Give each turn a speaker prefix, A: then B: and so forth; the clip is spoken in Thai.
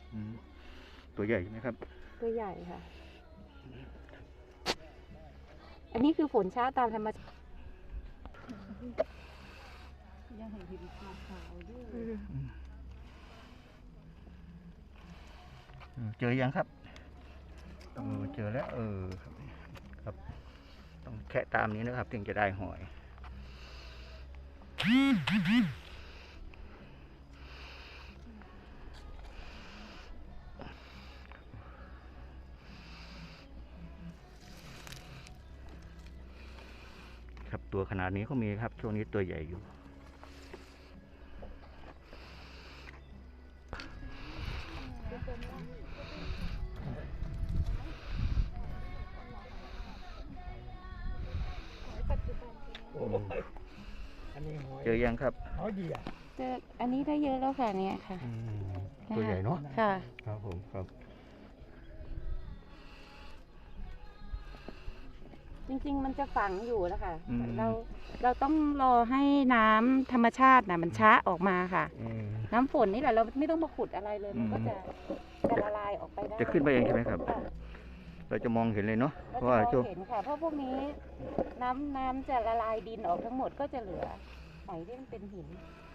A: ตัวใหญ่ไหมครับ
B: ตัวใหญ่ค่ะ อันนี้คือฝนช้าตามธรรมชาติยังเห็นหินขาวๆด้วย
A: เจอยังครับเจอแล้วครับต้องแค่ตามนี้นะครับถึงจะได้หอยครับตัวขนาดนี้ก็มีครับช่วงนี้ตัวใหญ่อยู่เจอยังครับ
B: เจออันนี้ได้เยอะแล้วค่ะเนี่ยค่ะ
A: ตัวใหญ่เนาะ
B: ค่ะ
A: ครับผมครับ
B: จริงๆมันจะฝังอยู่นะคะเราต้องรอให้น้ำธรรมชาติมันช้าออกมาค่ะน้ำฝนนี่แหละเราไม่ต้องมาขุดอะไรเลยมันก็จะละลายออกไปได้
A: จะขึ้นไปเองใช่ไหมครับเราจะมองเห็นเลยเนาะ
B: เพราะว่าเห็นค่ะเพราะพวกนี้น้ำจะละลายดินออกทั้งหมดก็จะเหลือหอยที่มันเป็นหิน